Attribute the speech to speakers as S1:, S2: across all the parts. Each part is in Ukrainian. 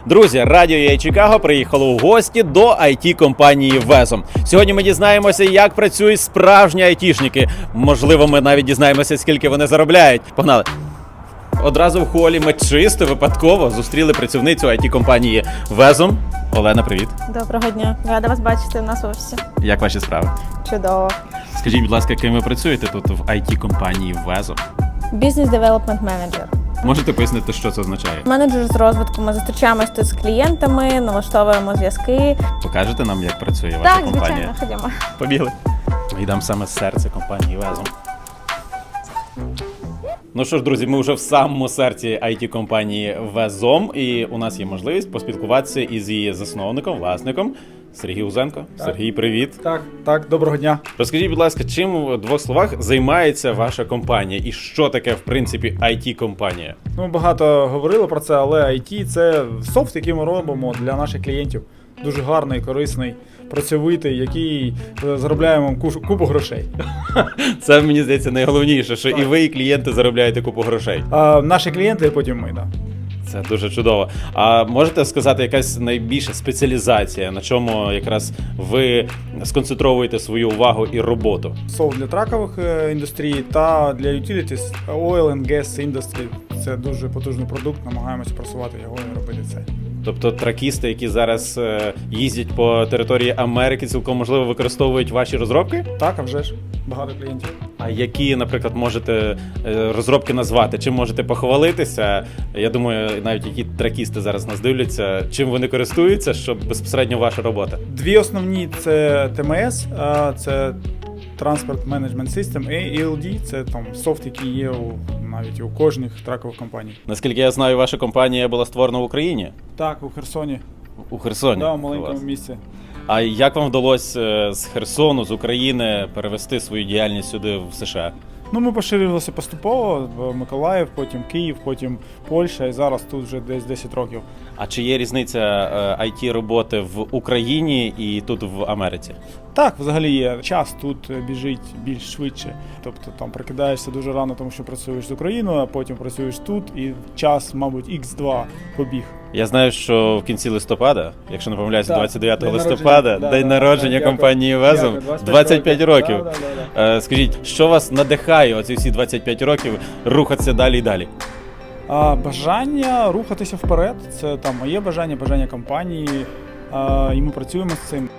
S1: Друзі, Радіо UA Чикаго приїхало у гості до IT-компанії Везом. Сьогодні ми дізнаємося, як працюють справжні айтішники. Можливо, ми навіть дізнаємося, скільки вони заробляють. Погнали! Одразу в холі ми чисто випадково зустріли працівницю IT-компанії Везом. Олена, привіт.
S2: Доброго дня. Рада вас бачити в нас в офісі.
S1: Як ваші справи?
S2: Чудово.
S1: Скажіть, будь ласка, ким ви працюєте тут в IT-компанії Везом?
S2: Бізнес девелопмент менеджер.
S1: Можете пояснити, що це означає?
S2: Менеджер з розвитку. Ми зустрічаємось тут з клієнтами, налаштовуємо зв'язки.
S1: Покажете нам, як працює ваша
S2: Так,
S1: компанія?
S2: звичайно, ходімо.
S1: Побігли. Йдемо саме з серця компанії Везом. Ну що ж, друзі, ми вже в самому серці IT-компанії Везом, і у нас є можливість поспілкуватися із її засновником, власником Сергій Узенко. Так. Сергій, привіт.
S3: Так, доброго дня.
S1: Розкажіть, будь ласка, чим в двох словах займається ваша компанія і що таке, в принципі, IT-компанія?
S3: Ми багато говорили про це, але IT – це софт, який ми робимо для наших клієнтів. Дуже гарний, корисний, працьовитий, який заробляємо купу грошей.
S1: Це, мені здається, найголовніше, що так. І ви, і клієнти заробляєте купу грошей.
S3: А наші клієнти, і потім ми, так.
S1: Це дуже чудово. А можете сказати, якась найбільша спеціалізація, на чому якраз ви сконцентровуєте свою увагу і роботу?
S3: Софт для тракових індустрій та для utilities, oil and gas industry. Це дуже потужний продукт, намагаємося просувати його і робити це.
S1: Тобто тракісти, які зараз їздять по території Америки, цілком можливо використовують ваші розробки?
S3: Так, а вже ж. Багато клієнтів.
S1: А які, наприклад, можете розробки назвати? Чим можете похвалитися? Я думаю, навіть які тракісти зараз нас дивляться, чим вони користуються, щоб безпосередньо ваша робота?
S3: Дві основні – це TMS, це Transport Management System, і ELD – це там софт, який є навіть у кожних тракових компаній.
S1: Наскільки я знаю, ваша компанія була створена в Україні?
S3: Так, у Херсоні.
S1: У Херсоні?
S3: Так, у маленькому місці.
S1: А як вам вдалося з Херсону, з України перевести свою діяльність сюди в США?
S3: Ну, ми поширювалися поступово, в Миколаїв, потім Київ, потім Польща, і зараз тут вже десь 10 років.
S1: А чи є різниця IT-роботи в Україні і тут в Америці?
S3: Так, взагалі є. Час тут біжить більш швидше. Тобто там прокидаєшся дуже рано, тому що працюєш з Україною, а потім працюєш тут, і час, мабуть, X2 побіг.
S1: Я знаю, що в кінці листопада, якщо не помиляюся, 29
S3: день
S1: листопада, день народження компанії Везом, 25 років. Скажіть, що вас надихає оці всі 25 років рухатися далі і далі?
S3: Бажання рухатися вперед. Це там моє бажання компанії, і ми працюємо з цим.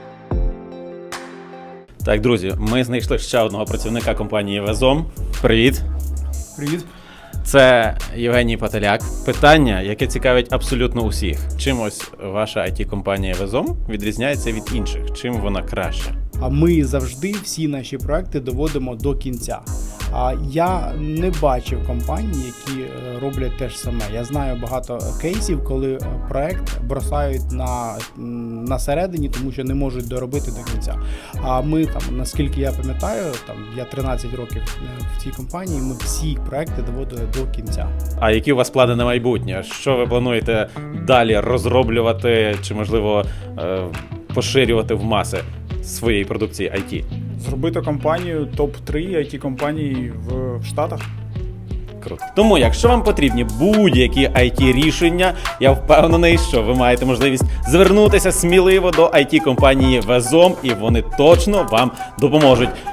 S1: Так, друзі, ми знайшли ще одного працівника компанії Везом. Привіт.
S3: Привіт.
S1: Це Євгеній Пателяк. Питання, яке цікавить абсолютно усіх. Чим ось ваша IT-компанія Везом відрізняється від інших? Чим вона краща?
S4: А ми завжди всі наші проекти доводимо до кінця. А я не бачив компаній, які роблять те ж саме. Я знаю багато кейсів, коли проект бросають на середині, тому що не можуть доробити до кінця. А ми там, наскільки я пам'ятаю, там я 13 років в цій компанії, ми всі проекти доводили до кінця.
S1: А які у вас плани на майбутнє? Що ви плануєте далі розроблювати чи, можливо, поширювати в маси своєї продукції IT?
S3: Зробити компанію топ-3 IT-компаній в Штатах.
S1: Круто. Тому, якщо вам потрібні будь-які IT-рішення, я впевнений, що ви маєте можливість звернутися сміливо до IT-компанії Везом, і вони точно вам допоможуть.